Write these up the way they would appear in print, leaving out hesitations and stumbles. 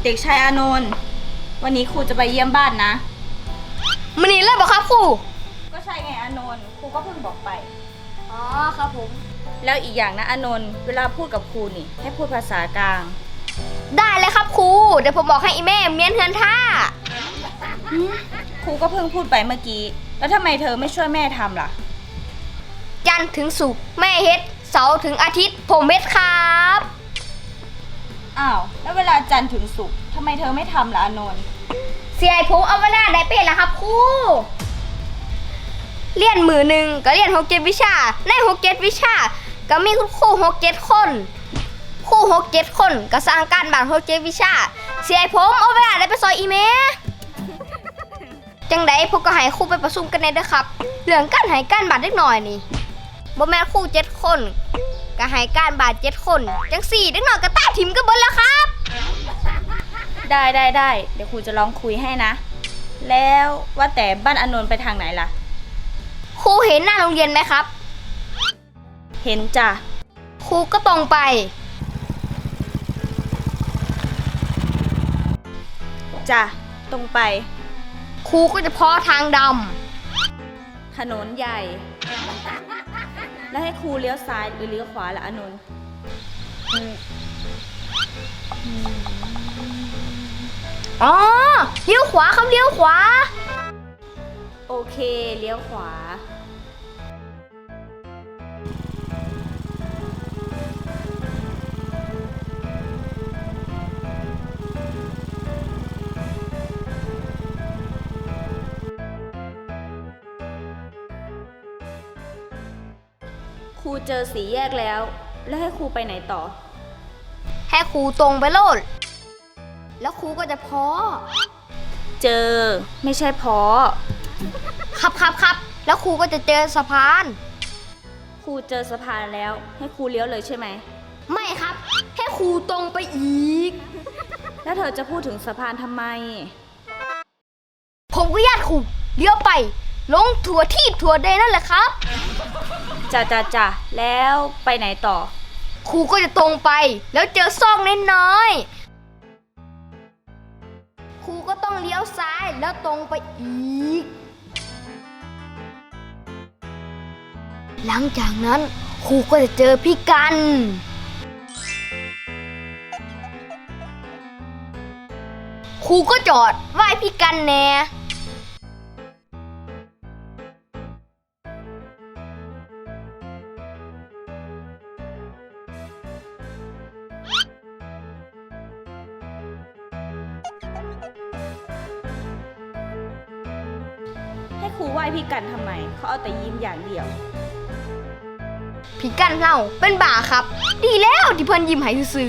เด็กชายอานนท์วันนี้ครูจะไปเยี่ยมบ้านนะมันนี่เลยบอกครับครูก็ใช่ไงอานนท์ครูก็เพิ่งบอกไปอ๋อครับผมแล้วอีกอย่างนะอานนท์เวลาพูดกับครูนี่ให้พูดภาษากลางได้เลยครับครูเดี๋ยวผมบอกให้อีแม่เมียนเฮือนท่าครูก็เพิ่งพูดไปเมื่อกี้แล้วทำไมเธอไม่ช่วยแม่ทำล่ะจันทร์ถึงศุกร์แม่เฮ็ดเสาร์ถึงอาทิตย์ผมเฮ็ดครับอ้าวแล้วเวลาจันทร์ถึงศุกร์ทำไมเธอไม่ทำล่ะอานนท์เสียผมเอาเวลาได้เป็นละครับครูเรียนมือหนึ่งก็เรียน6-7 วิชาใน6-7 วิชาก็มีคุณครู6-7 คนครู6-7 คนก็สร้างการบ้าน6-7 วิชาเสียผมเอาเวลาได้ไปซอยอีเมลจังไดพวกก็ให้ครูไปประชุมกันในเด้อครับเรื่องการให้การบ้านเล็กน้อยนี่บ่แม่นครู7 คนก็ให้การบ้าน7 คนจัง4เด็กน้อยก็ตาถิ่มกันเบิดแล้วครับได้เดี๋ยวครูจะลองคุยให้นะแล้วว่าแต่บ้านอานนท์ไปทางไหนล่ะครูเห็นหน้าโรงเรียนไหมครับเห็นจ้ะครูก็ตรงไปจ้ะตรงไปครูก็จะเพาะทางดถนนใหญ่แล้วให้ครูเลี้ยวซ้ายหรือเลี้ยวขวาล่ะอานนท์อ๋อเลี้ยวขวาครับเลี้ยวขวาโอเคเลี้ยวขวาครูเจอสี่แยกแล้วให้ครูไปไหนต่อให้ครูตรงไปโลดแล้วครูก็จะเพาะเจอไม่ใช่เพาะครับแล้วครูก็จะเจอสะพานครูเจอสะพานแล้วให้ครูเลี้ยวเลยใช่ไหมไม่ครับให้ครูตรงไปอีกแล้วเธอจะพูดถึงสะพานทำไมผมก็ญาติครูเลี้ยวไปลงถั่วที่ถั่วแดงนั่นแหละครับจ้ะแล้วไปไหนต่อครูก็จะตรงไปแล้วเจอซอกน้อยๆครูก็ต้องเลี้ยวซ้ายแล้วตรงไปอีกหลังจากนั้นครูก็จะเจอพี่กันครูก็จอดไหว้พี่กันแน่ให้ครูไหว้พี่กันทำไมเขาเอาแต่ยิ้มอย่างเดียวพี่กันเราเป็นบ่าครับดีแล้วที่เพิ่นยิ้มให้ซื่อ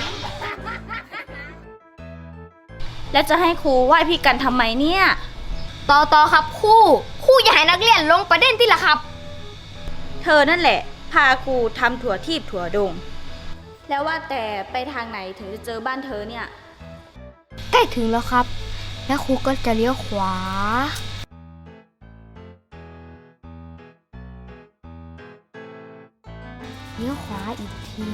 แล้วจะให้ครูไหว้พี่กันทำไมเนี่ยต่อครับครูอย่าให้นักเรียนลงประเด็นที่ละครับเธอนั่นแหละพาครูทำถั่วทีบถั่วดงแล้วว่าแต่ไปทางไหนถึงจะเจอบ้านเธอเนี่ยใกล้ถึงแล้วครับแล้วครูก็จะเลี้ยวขวาเลี้ยวขวาอีกที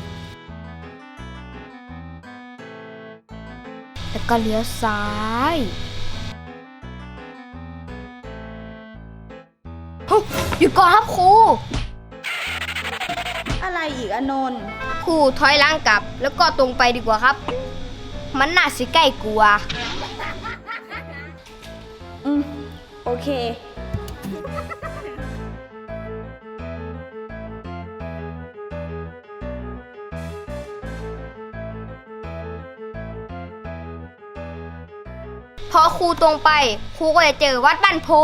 แล้วก็เลี้ยวซ้ายหยุดก่อนครับครูอะไรอีกอานนท์ครูถอยหลังกลับแล้วก็ตรงไปดีกว่าครับมันน่าสิใกล้กลัวโอเคพอครูตรงไปครูก็จะเจอวัดบ้านโพ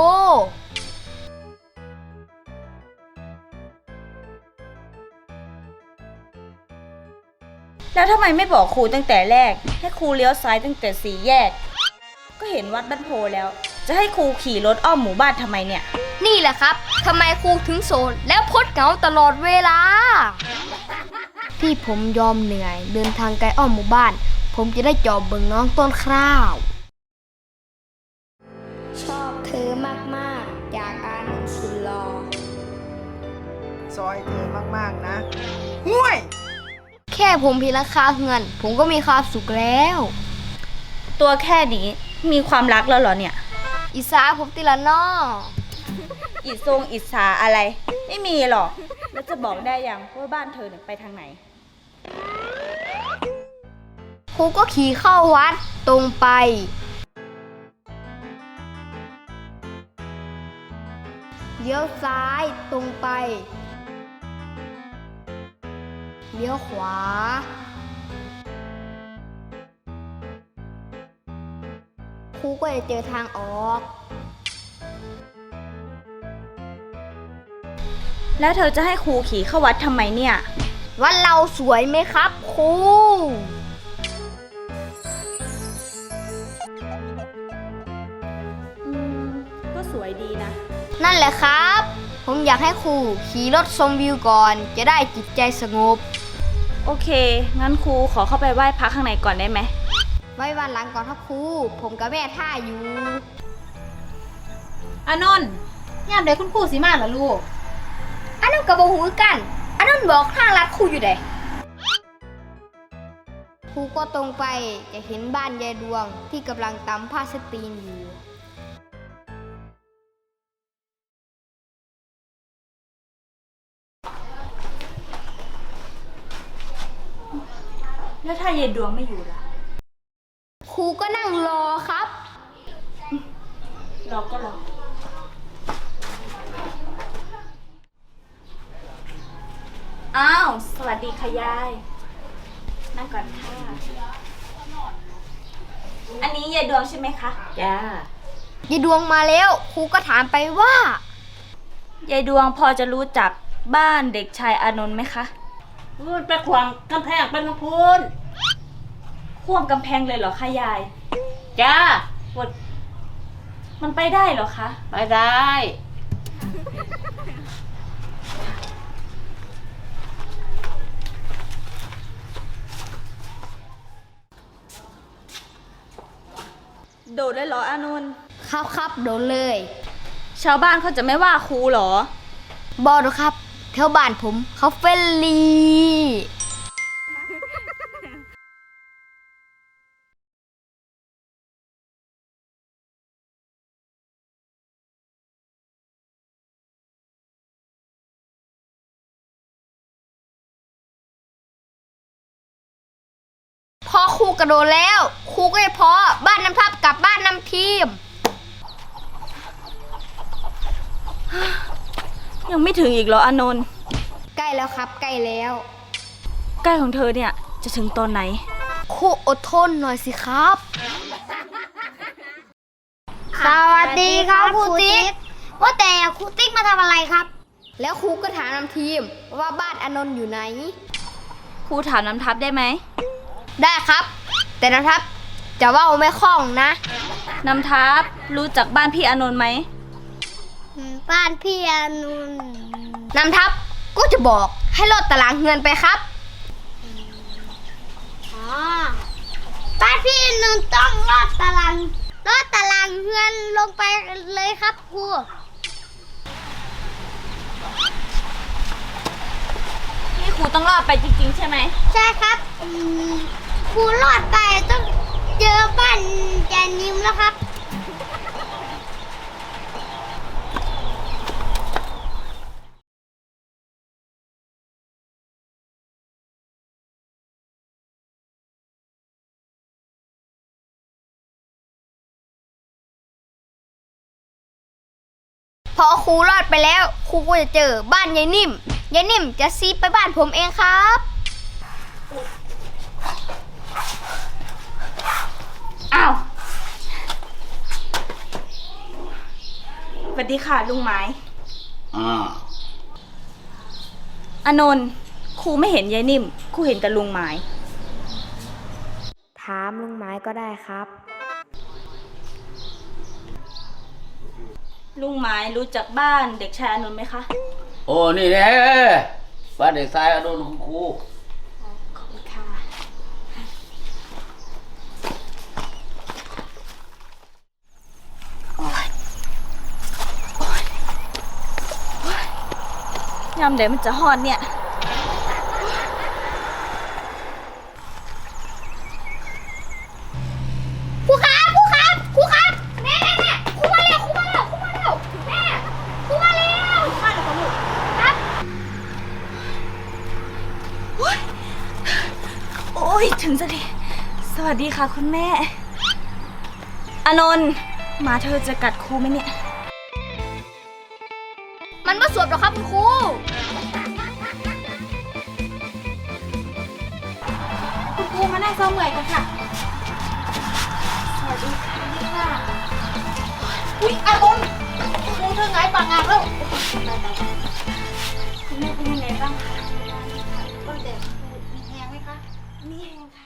แล้วทำไมไม่บอกครูตั้งแต่แรกให้ครูเลี้ยวซ้ายตั้งแต่สี่แยกก็เห็นวัดบ้านโพแล้วจะให้ครูขี่รถอ้อมหมู่บ้านทำไมเนี่ยนี่แหละครับทำไมครูถึงโสดแล้วพดเหงาตลอดเวลาที่ผมยอมเหนื่อยเดินทางไกลอ้อมหมู่บ้านผมจะได้จอบเบิ่งน้องต้นข้าวชอบเธอมากๆอยากอานนท์สุดหล่อซอยเธอมากๆนะห่วยแค่ผมพีราคาเงินผมก็มีความสุขแล้วตัวแค่นี้มีความรักแล้วเหรอเนี่ยอิสาผมติละน้ออิทรงอิสาอะไร ไม่มีหรอก แล้วจะบอกได้ยังว่าบ้านเธอเนี่ยไปทางไหนครูก็ขี่เข้าวัดตรงไป เลี้ยวซ้ายตรงไป เลี้ยวขวา ครูก็จะเจอทางออกแล้วเธอจะให้ครูขี่เข้าวัดทำไมเนี่ยวัดเราสวยไหมครับครูก็สวยดีนะนั่นแหละครับ ผมอยากให้ครูขี่รถชมวิวก่อน จะได้จิตใจสงบโอเค งั้นครูขอเข้าไปไหว้พระข้างในก่อนได้ไหมไว้วันหลังก่อนครับครู ผมกับแม่ท่าอยู่อานนท์ยามใดคุณครูสิมาล่ะลูกอันนั้นกับหูกัน อันนั้นบอกทางลัดครูอยู่เด้ครูก็ตรงไปจะเห็นบ้านยายดวงที่กำลังตำผ้าสตรีนอยู่แล้วถ้าเย็นดวงไม่อยู่ล่ะครูก็นั่งรอครับรอก็รอ อ้าว สวัสดีค่ะยาย นั่งก่อนค่ะ อันนี้ยายดวงใช่ไหมคะจ้ายายดวงมาแล้ว ครูก็ถามไปว่ายายดวงพอจะรู้จักบ้านเด็กชายอานนท์ไหมคะพูดไปขวางกำแพงเป็นพูนข่วมกำแพงเลยเหรอคะยายจ้ามันไปได้เหรอคะไปได้โดดเลยเหรออานนท์ครับโดนเลยชาวบ้านเขาจะไม่ว่าครูเหรอบอดครับแถวบ้านผมเขาเฟรนลี่ พอครูกระโดดแล้ว ครูก็จะพอบ้านน้ำทับกับบ้านน้ำทีมยังไม่ถึงอีกเหรออานนท์ใกล้แล้วครับใกล้แล้วใกล้ของเธอเนี่ยจะถึงตอนไหนครูอดทนหน่อยสิครับ สวัสดีครับครูติ๊กว่าแต่ครูติ๊กมาทำอะไรครับ แล้วครูก็ถามน้ำทีมว่าบ้านอานนท์อยู่ไหนครูถามน้ำทับได้ไหมได้ครับ แต่น้ำทับจะว่าไม่คล่องนะน้ำทับรู้จักบ้านพี่อานนท์ไหมบ้านพี่อานนท์น้ำทับก็จะบอกให้ลดตารางเงินไปครับบ้านพี่อานนท์ต้องลดตารางเงินลงไปเลยครับครูนี่ครูต้องรอดไปจริงๆใช่ไหมใช่ครับครูรอดไปต้องเจอบ้านแจนิมแล้วครับ พอครูรอดไปแล้ว ครูก็จะเจอบ้านยายนิ่ม ยายนิ่มจะซีไปบ้านผมเองครับอ้าว สวัสดีค่ะลุงไม้ อานนท์ครูไม่เห็นยายนิ่ม ครูเห็นแต่ลุงไม้ถามลุงไม้ก็ได้ครับลุงไม้รู้จักบ้านเด็กชายอานนท์ไหมคะโอ้นี่แน่บ้านเด็กชายอดุลคุณครูขอบคุณค่ะ ยามเดี๋ยวมันจะฮอดเนี่ยพววัสดีค่ะคุณแม่ อานนท์หมาเธอจะกัดครูไหมเนี่ยมันมาสวบหรอกครับคุณครูคุณครูมานั่งเศร้าเมื่อยกันค่ะสวัสดีค่ะอุ๊ยอานนท์ครูเธอไงปากงานแล้วคุณแม่เป็นยังไงบ้างคะก็เด็กมีแหงไหมคะมีแหงค่ะ